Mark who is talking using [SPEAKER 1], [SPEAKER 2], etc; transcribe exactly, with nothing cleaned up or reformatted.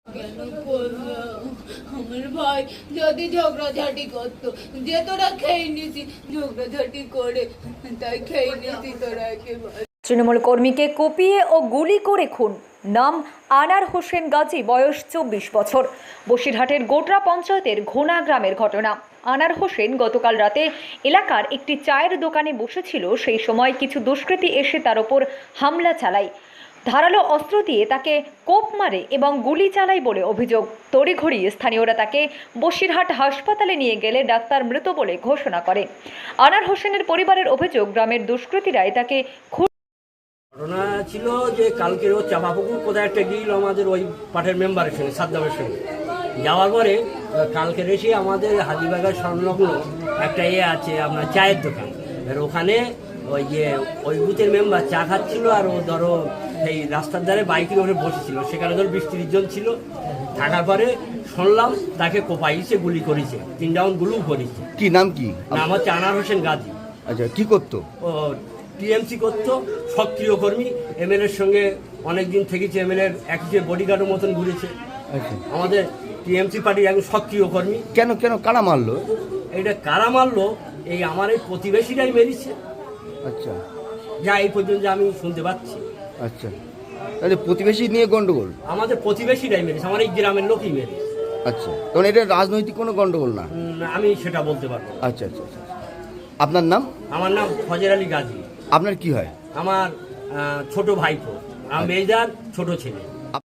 [SPEAKER 1] কেন করলো? আমার ভাই যদি ঝগড়াঝাটি করতো, যে তোরা খেয়ে নিছি ঝগড়াঝাটি করে, তাই খেয়ে নিছি তোরা একেবারে।
[SPEAKER 2] তৃণমূল কর্মীকে কুপিয়ে ও গুলি করে খুন, নাম আনার হোসেন গাজী, বয়স চব্বিশ বছর। বসিরহাটের গোটরা পঞ্চায়েতের ঘোনা গ্রামের ঘটনা। আনার হোসেন গতকাল রাতে এলাকার একটি চায়ের দোকানে বসেছিল। সেই সময় কিছু দুষ্কৃতী এসে তার ওপর হামলা চালায়, ধারালো অস্ত্র দিয়ে তাকে কোপ মারে এবং গুলি চালায় বলে অভিযোগ। তড়িঘড়ি স্থানীয়রা তাকে বসিরহাট হাসপাতালে নিয়ে গেলে ডাক্তার মৃত বলে ঘোষণা করে। আনার হোসেনের পরিবারের অভিযোগ, গ্রামের দুষ্কৃতীরাই তাকে
[SPEAKER 3] ঘটনা ছিল যে কালকের ও চাপাপুকুর কোথায় একটা গিয়েছিল আমাদের ওই পাঠের মেম্বারের সঙ্গে, সাদ্দামের সঙ্গে। যাওয়ার পরে কালকের এসে আমাদের হাজিবাগার সংলগ্ন একটা ইয়ে আছে আপনার চায়ের দোকান, এবার ওখানে ওই যে ওই বুথের মেম্বার চা খাচ্ছিল, আর ও ধরো সেই রাস্তার ধারে বাইকের ওপরে বসেছিল। সেখানে ধরো বিশ তিরিশ জন ছিল। থাকার পরে শুনলাম তাকে কোপাইছে, গুলি করেছে, তিন রাউন্ড গুলিও করেছে।
[SPEAKER 4] কি নাম কি?
[SPEAKER 3] নাম হচ্ছে আনার হোসেন গাজী।
[SPEAKER 4] আচ্ছা, কি করতো?
[SPEAKER 3] ও টিএমসি করতো, সক্রিয় কর্মী। এমএলএর সঙ্গে অনেকদিন থেকেছে, এমএলএর একই বডিগার্ডের মতন ঘুরেছে।
[SPEAKER 4] আচ্ছা,
[SPEAKER 3] আমাদের টিএমসি পার্টির একজন সক্রিয় কর্মী।
[SPEAKER 4] কেন কেন কারা মারলো?
[SPEAKER 3] এটা কারা মারলো, এই আমার এই প্রতিবেশীরাই মেরেছে,
[SPEAKER 4] আচ্ছা,
[SPEAKER 3] যা এই পর্যন্ত আমি শুনতে পাচ্ছি।
[SPEAKER 4] আচ্ছা, তাহলে প্রতিবেশী নিয়ে গন্ডগোল?
[SPEAKER 3] আমাদের প্রতিবেশীরাই মেরেছে, আমার এই গ্রামের লোকই মেরেছে।
[SPEAKER 4] আচ্ছা, তখন এটা রাজনৈতিক কোনো গন্ডগোল না?
[SPEAKER 3] উম, আমি সেটা বলতে পারবো না।
[SPEAKER 4] আচ্ছা আচ্ছা আচ্ছা। আপনার নাম?
[SPEAKER 3] আমার নাম ফজর আলী গাজী।
[SPEAKER 4] আপনার কি হয়?
[SPEAKER 3] আমার আহ, ছোট ভাইপো, আমার মেয়েদার ছোট ছেলে।